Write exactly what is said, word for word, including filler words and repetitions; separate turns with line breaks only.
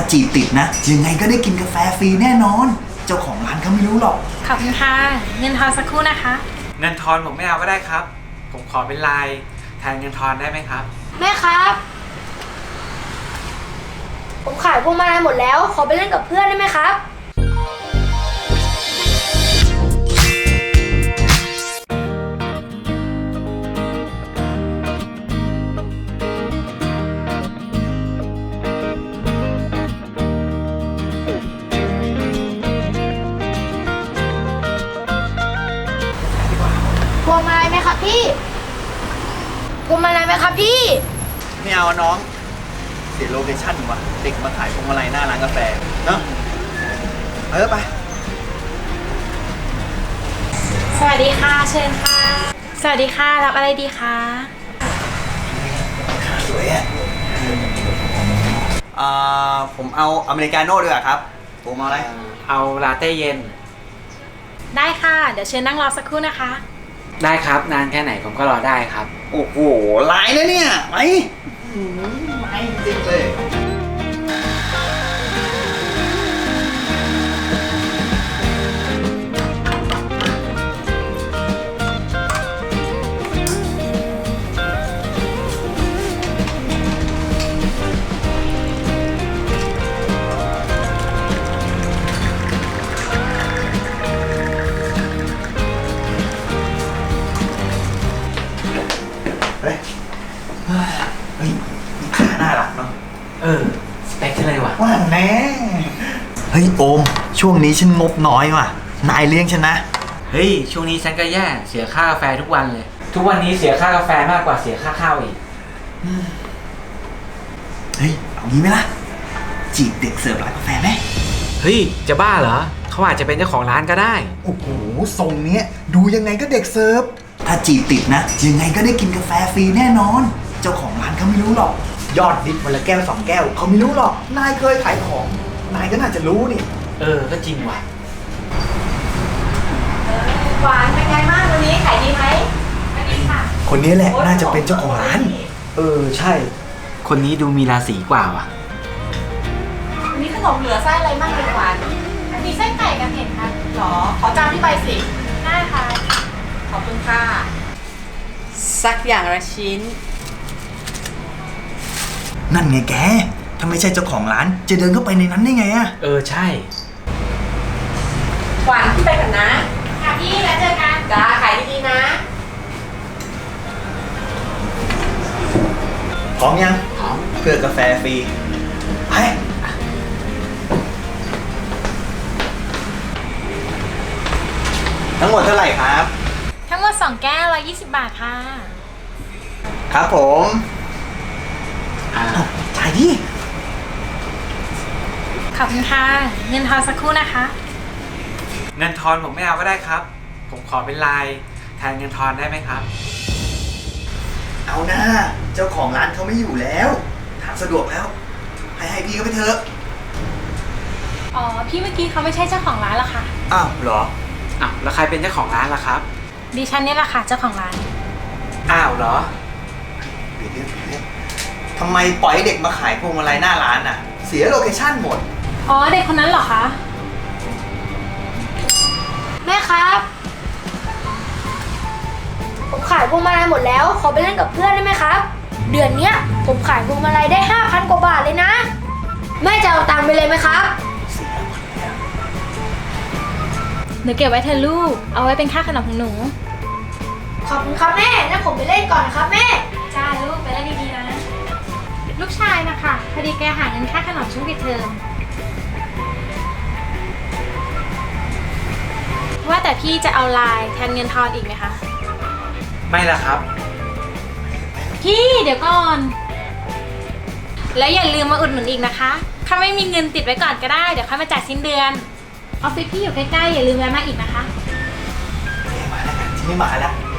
าจีบติดนะยังไงก็ได้กินกาแฟฟรีแน่นอนเจ้าของร้านเขาไม่รู้หรอก
ขอบคุณค่ะเงินทอนสักครู่นะคะ
เงินทอนผมไม่เอาก็ได้ครับผมขอเป็นลายแทนเงินทอนได้ไหมครับ
แม่ครับผมขายพวงมาลัยหมดแล้วขอไปเล่นกับเพื่อนได้ไหมครับพวงมาลัยไหมครับพี่พวงมาลัยไหมครับพี่
ไม่เอาน้องเสียโลเคชั่นว่ะเด็กมาขายพวงมาลัยหน้าร้านกาแฟเนาะเออไป
สวัสดีค่ะเชิญค่ะสวัสดีค่ะรับอะไรดีคะ
สวยอ่ะอ่าผมเอาอเมริกาโน่ด้วยครับผมเอาอะไร
เอาลาเต้เย็น
ได้ค่ะเดี๋ยวเชิญนั่งรอสักครู่นะคะ
ได้ครับนานแค่ไหนผมก็รอได้ครับ
โอ้โหลายนะเนี่ยไปไม่จริงเลยเฮ้ยเฮ้ยขาน่ารักเนาะ
เออสเปคเลยว่ะ
ว่าแน่เฮ้ยโอมช่วงนี้ฉันงบน้อยว่ะนายเลี้ยงฉันนะ
เฮ้ยช่วงนี้ฉันก็แย่เสียค่ากาแฟทุกวันเลยทุกวันนี้เสียค่ากาแฟมากกว่าเสียค่าข้าวอีก
เฮ้ยเอางี้ไหมล่ะจีบเด็กเสิร์ฟร้านกาแฟไหม
เฮ้ยจะบ้าเหรอเขาอาจจะเป็นเจ้าของร้านก็ได้
โอ้โหทรงเนี้ยดูยังไงก็เด็กเสิร์ฟถ้าจีบติดนะยังไงก็ได้กินกาแฟฟรีแน่นอนเจ้าของร้านเขาไม่รู้หรอกยอดดิบวันละแก้วสองแก้วเขาไม่รู้หรอกนายเคยขายของนายก็น่าจะรู้นี่
เออก็จริงว่ะ
หวานเป็นไงบ้างวันนี้ขายดีไหมไม่ดีค่ะ
คนนี้แหละน่าจะเป็นเจ้าของร้านเออใช่
คนนี้ดูมีราศีกว่าว่ะ
วันนี้ขนมเหลือไส้อะไรบ้างดีกว่ามีไส้ไก่กันเห็นค่ะหรอขอจานที่ใบสิได้ค่ะขอบคุณค่ะสักอย่างละชิ้น
นั่นไงแกถ้าไม่ใช่เจ้าของร้านจะเดินเข้าไปในนั้นได้ไงอะ
เออใช่
หวานพี่ไปกันนะค่ะพี่แล้วเจอกันจ้าขายดีๆนะ
พร้อมยังพร้อมเพื่อกาแฟฟรีไปทั้งหมดเท่าไหร่ครับ
ทั้งหมดสองแก้วร้อยยี่สิบบาทค่ะ
ครับผมจ่ายดิ
ขอบคุณค่ะเงินทอนสักครู่นะคะ
เงินทอนผมไม่เอาก็ได้ครับผมขอเป็นลายแทนเงินทอนได้ไหมครับ
เอาหน้าเจ้าของร้านเขาไม่อยู่แล้วถามสะดวกแล้วให้ให้พี่เขาไปเถอะ
อ๋อพี่เมื่อกี้เขาไม่ใช่เจ้าของร้านหรอคะ
อ้าวเหรอ
อ้าวแล้วใครเป็นเจ้าของร้านล่ะครับ
ดิฉันนี่แหละค่ะเจ้าของร้าน
อ้าวเหรอ
เดี๋ยวเดี๋ยวเดี๋ยวทำไมปล่อยให้เด็กมาขายพวงมาลัยหน้าร้านอ่ะเสียโลเคชั่นหมด
อ๋อเด็กคนนั้นเหรอคะ
แม่ครับผมขายพวงมาลัยหมดแล้วขอไปเล่นกับเพื่อนได้ไหมครับเดือนเนี้ยผมขายพวงมาลัยได้ห้าพันกว่าบาทเลยนะแม่จะเอาตังค์ไปเลยไหมครับ
เดี๋ยวเก็บไว้เธอลูกเอาไว้เป็นค่าขนมของหนู
ขอบคุณครับแม่งั้นผมไปเล่นก่อนนะครับแม่
จ้าลูกไปเล่นดีๆนะลูกชายนะคะพอดีแกหาเงินค่าขนมช่วงปิดเทอมว่าแต่พี่จะเอาลายแทนเงินทอนอีกไหมคะ
ไม่ละครับ
พี่เดี๋ยวก่อนแล้วอย่าลืมมาอุดหนุนอีกนะคะถ้าไม่มีเงินติดไว้ก่อนก็ได้เดี๋ยวค่อยมาจ่ายสิ้นเดือนออฟฟิศพี่อยู่ใกล้ๆอย่าลืมแวะมาอีกนะคะ
มาแล้วกันที่ไม่มาแล้ว